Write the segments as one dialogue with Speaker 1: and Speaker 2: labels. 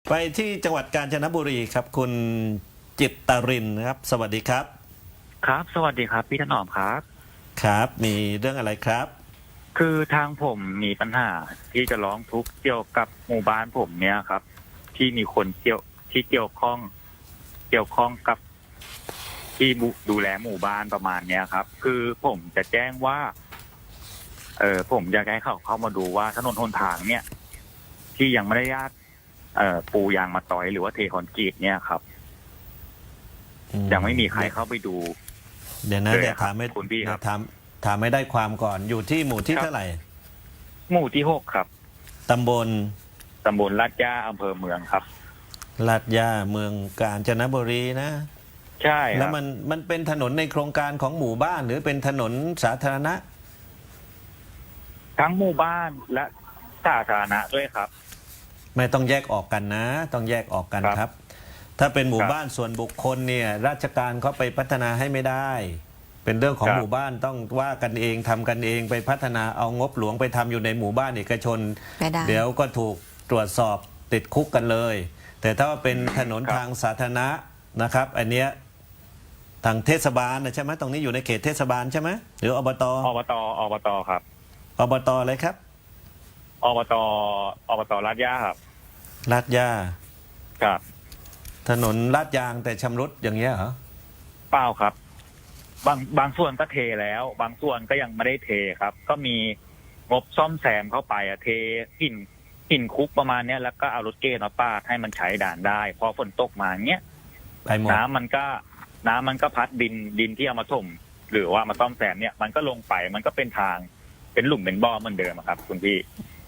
Speaker 1: ไปที่จังหวัดกาญจนบุรีครับคุณจิตตรินนะครับสวัสดีครับ
Speaker 2: ครับสวัสดีครับพี่ถนอมครับ
Speaker 1: ครับมีเรื่องอะไรครับ
Speaker 2: คือทางผมมีปัญหาที่จะร้องทุกข์เกี่ยวกับหมู่บ้านผมเนี่ยครับที่มีคนเกี่ยวข้องกับที่ดูแลหมู่บ้านประมาณเนี้ยครับคือผมจะแจ้งว่าผมอยากให้เขาเข้ามาดูว่าถนนหนทางเนี่ยที่ยังไม่ได้ปูยางมาต่อยหรือว่าเทคอนกรีตเนี่ยครับยังไม่มีใครเข้าไปดู
Speaker 1: เดี๋ยวนะเดี๋ยวถามไม่
Speaker 2: คุณพี่ครับ
Speaker 1: ถามไม่ได้ความก่อนอยู่ที่หมู่ที่เท่าไหร่
Speaker 2: หมู่ที่6ครับ
Speaker 1: ตำบล
Speaker 2: ลาดย่าอำเภอเมืองครับ
Speaker 1: ลาดย่าเมืองกาญจนบุรีนะ
Speaker 2: ใช่ครับ
Speaker 1: แล้วมันเป็นถนนในโครงการของหมู่บ้านหรือเป็นถนนสาธารณะ
Speaker 2: ทั้งหมู่บ้านและสาธารณะด้วยครับ
Speaker 1: ไม่ต้องแยกออกกันนะต้องแยกออกกันครับถ้าเป็นหมู่บ้านส่วนบุคคลเนี่ยราชการเขาไปพัฒนาให้ไม่ได้เป็นเรื่องของหมู่บ้านต้องว่ากันเองทำกันเองไปพัฒนาเอางบหลวงไปทำอยู่ในหมู่บ้านเอกชนเดี๋ยวก็ถูกตรวจสอบติดคุกกันเลยแต่ถ้าว่าเป็นถนนทางสาธารณะนะครับอันเนี้ยทางเทศบาลนะใช่ไหมตรงนี้อยู่ในเขตเทศบาลใช่ไหมหรืออบต
Speaker 2: ครับ
Speaker 1: อบตอะไรครับ
Speaker 2: อบตลาดย่าครับ
Speaker 1: ลาดย่า
Speaker 2: ครับ
Speaker 1: ถนนลาดยางแต่ชำรุดอย่างเงี้ยเหรอ
Speaker 2: เปล่าครับบางส่วนก็เทแล้วบางส่วนก็ยังไม่ได้เทครับก็มีงบซ่อมแซมเข้าไปเทหินคุกประมาณเนี้ยแล้วก็เอารถเกนมาปาดให้มันใช้ด่านได้พอฝนตกมาเงี้ยน้ำมันก็พัดดินที่เอามาถมหรือว่ามาซ่อมแซมเนี่ยมันก็ลงไปมันก็เป็นทางเป็นหลุมเป็นบ่อเหมือนเดิมครับคุณพี่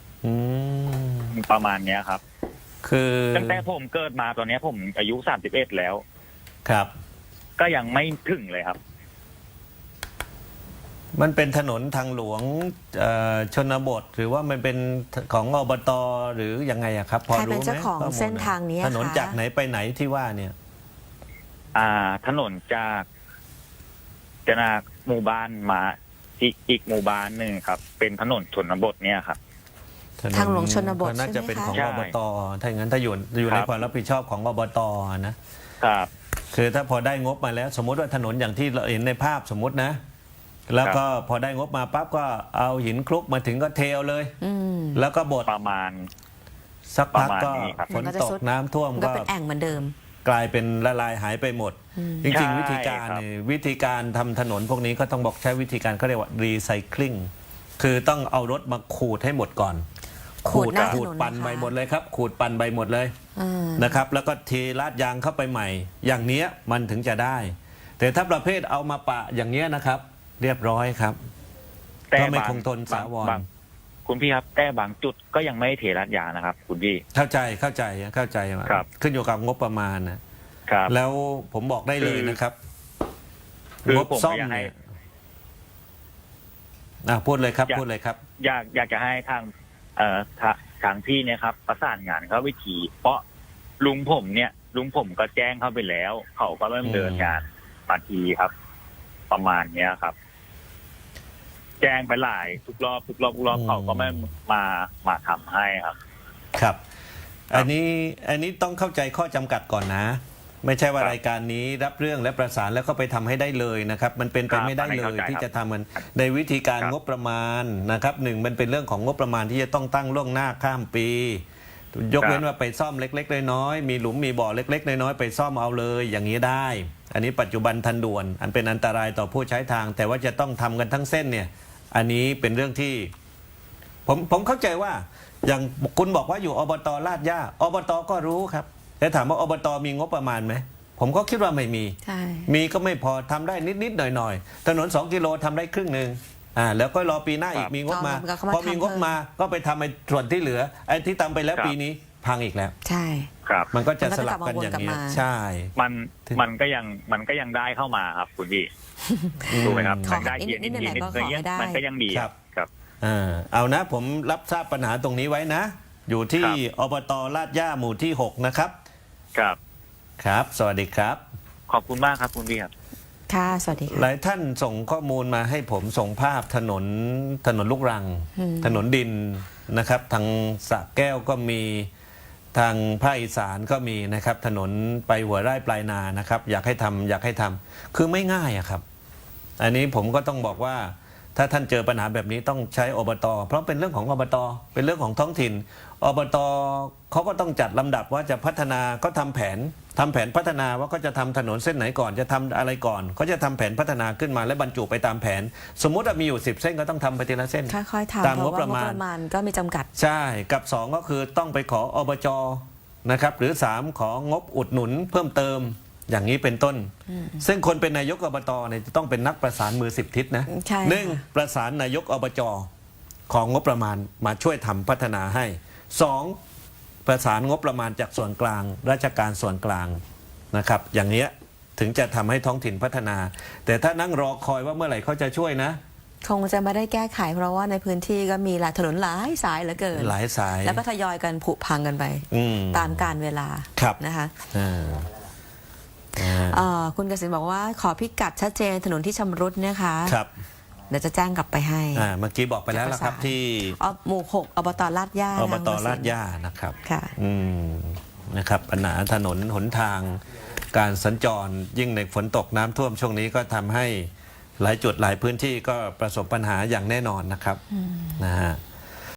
Speaker 2: ประมาณเนี้ยครับ
Speaker 1: คือ
Speaker 2: ตั้งแต่ผมเกิดมาตอนนี้ผมอายุ31แล้ว
Speaker 1: ครับ
Speaker 2: ก็ยังไม่ถึงเลยครับ
Speaker 1: มันเป็นถนนทางหลวงชนบทหรือว่ามันเป็นของอบตหรือยังไงอะครับพอรู้ไหม
Speaker 3: ใครเป็นเจ้าของเส้นทางนี้
Speaker 1: ถนนจากไหนไปไหนที่ว่าเนี่ย
Speaker 2: ถนนจากหมู่บ้านมาอีกหมู่บ้านหนึ่งครับเป็นถนนชนบทเนี่ยครับ
Speaker 3: ทางหลวงชนบท
Speaker 1: น่าจะเป็นของอบตถ้าอย่างนั้นถ้าอยู่ในความรับผิดชอบของอบต
Speaker 2: นะครับ
Speaker 1: คือถ้าพอได้งบมาแล้วสมมติว่าถนนอย่างที่เราเห็นในภาพสมมตินะแล้วก็พอได้งบมาปั๊บก็เอาหินคลุกมาถึงก็เทเลยแล้วก็บด
Speaker 2: ประมาณ
Speaker 1: สักพักก็ฝนตกน้ำท่วม
Speaker 3: ก็เป็นแอ่งเหมือนเดิม
Speaker 1: กลายเป็นละลายหายไปหมดจริงๆวิธีการทำถนนพวกนี้ก็ต้องบอกใช้วิธีการเขาเรียกว่ารีไซเคิลคือต้องเอารถมาขูดให้หมดก่อน
Speaker 3: ขูด
Speaker 1: ปั่นใบหมดเลยครับขูดปั่นใบหมดเลยนะครับแล้วก็เทลาดยางเข้าไปใหม่อย่างนี้มันถึงจะได้แต่ถ้าประเภทเอามาปะอย่างเนี้ยนะครับเรียบร้อยครับก็ไม่คงทนสาวร
Speaker 2: คุณพี่ครับแต่บางจุดก็ยังไม่เทลาดยางนะครับคุณพี่
Speaker 1: เข้าใจขึ้นอยู่กับงบประมาณนะครับแล้วผมบอกได้เลยนะครับงบซ่อมเนี่ยพูดเลยครับ
Speaker 2: อยากจะให้ทางพี่เนี่ยครับประสานงานเขาวิธีเพราะลุงผมก็แจ้งเข้าไปแล้วเขาก็เริ่มเดินงานมาทีครับประมาณเนี้ยครับแจ้งไปหลายทุกรอบเขาก็ไม่มาทำให้ครับ
Speaker 1: ครับอันนี้ต้องเข้าใจข้อจำกัดก่อนนะไม่ใช่ว่ารายการนี้รับเรื่องและประสานแล้วก็ไปทำให้ได้เลยนะครับมันเป็นไปไม่ได้เลยที่จะทำมันในวิธีการงบประมาณนะครับมันเป็นเรื่องของงบประมาณที่จะต้องตั้งล่วงหน้าข้ามปียกเว้นว่าไปซ่อมเล็กๆน้อยๆมีหลุมมีบ่อเล็กๆน้อยๆไปซ่อมเอาเลยอย่างนี้ได้อันนี้ปัจจุบันทันด่วนอันเป็นอันตรายต่อผู้ใช้ทางแต่ว่าจะต้องทำกันทั้งเส้นเนี่ยอันนี้เป็นเรื่องที่ผมเข้าใจว่าอย่างคุณบอกว่าอยู่อบตลาดย่าอบตก็รู้ครับแต่ถามว่าอบตมีงบประมาณไหมผมก็คิดว่าไม่มีมีก็ไม่พอทำได้นิดๆหน่อยๆถนน2 กิโลทำได้ครึ่งหนึ่งแล้วก็รอปีหน้าอีกมีงบมาพอมีงบมาก็ไปทำไอ้ส่วนที่เหลือไอ้ที่ทำไปแล้วปีนี้พังอีกแล้ว
Speaker 3: ใช่
Speaker 2: ครับ
Speaker 1: มันก็จะสลับกันอย่างนี้ใช่
Speaker 2: มันก็ยังได้เข้ามาครับคุณพี่ถูกไหมครับได้เย็นนิดมันก็ยังดีครับ
Speaker 1: เอานะผมรับทราบปัญหาตรงนี้ไว้นะอยู่ที่อบตลาดย่าหมู่ที่6นะครับครับสวัสดีครับ
Speaker 2: ขอบคุณมากครับคุณพี่ครับ
Speaker 3: ค่ะสวัสดีค่ะ
Speaker 1: หลายท่านส่งข้อมูลมาให้ผมส่งภาพถนนลูกรังถนนดินนะครับทางสระแก้วก็มีทางภาคอีสานก็มีนะครับถนนไปหัวไร่ปลายนานะครับ อยากให้ทำคือไม่ง่ายอะครับ อันนี้ผมก็ต้องบอกว่าถ้าท่านเจอปัญหาแบบนี้ต้องใช้อบต.เพราะเป็นเรื่องของอบต.เป็นเรื่องของท้องถิ่นอบต.เขาก็ต้องจัดลำดับว่าจะพัฒนาก็ทำแผนพัฒนาว่าก็จะทำถนนเส้นไหนก่อนจะทำอะไรก่อนเขาจะทำแผนพัฒนาขึ้นมาและบรรจุไปตามแผน สมมุติว่ามีอยู่10 เส้นก็ต้องทำไปทีละเส้น
Speaker 3: ค่อยๆทำ
Speaker 1: ตาม
Speaker 3: เพ
Speaker 1: ง
Speaker 3: ราะ
Speaker 1: บ
Speaker 3: ว่า
Speaker 1: ประ
Speaker 3: งบ
Speaker 1: มาณ
Speaker 3: ประมาณก็มีจำกัด
Speaker 1: ใช่กับ2ก็คือต้องไปขออบจ.นะครับหรือ3ของบอุดหนุนเพิ่มเติมอย่างนี้เป็นต้น ซึ่งคนเป็นนายกอบต.เนี่ยจะต้องเป็นนักประสานมือ10 ทิศนะ
Speaker 3: ใช่
Speaker 1: หนึ่งประสานนายกอบจ.ของงบประมาณมาช่วยทำพัฒนาให้2ประสานงบประมาณจากส่วนกลางราชการส่วนกลางนะครับอย่างเนี้ยถึงจะทำให้ท้องถิ่นพัฒนา แต่ถ้านั่งรอคอยว่าเมื่อไหร่เขาจะช่วยนะ
Speaker 3: คงจะไม่ได้แก้ไข เพราะว่าในพื้นที่ก็มีหลายถนนหลายสายเหลือเกิน
Speaker 1: หลายสาย
Speaker 3: แล้วก็ทยอยกันผุพังกันไป
Speaker 1: อืม
Speaker 3: ตามกาลเวลา
Speaker 1: ครับ
Speaker 3: นะคะ
Speaker 1: อ่า
Speaker 3: คุณกสินบอกว่าขอพิกัดชัดเจนถนนที่ชำรุดนะคะ
Speaker 1: ครับ
Speaker 3: เดี๋ยวจะแจ้งกลับไปให้
Speaker 1: เมื่อกี้บอกไปแล้วละครับที่
Speaker 3: หมู่ 6อบตลาดย่า
Speaker 1: อบต
Speaker 3: ทง
Speaker 1: ลาดย่านะครับ
Speaker 3: ค่ะ
Speaker 1: นะครับปัญหาถนนหนทางการสัญจรยิ่งในฝนตกน้ำท่วมช่วงนี้ก็ทำให้หลายจุดหลายพื้นที่ก็ประสบปัญหาอย่างแน่นอนนะครับนะฮะ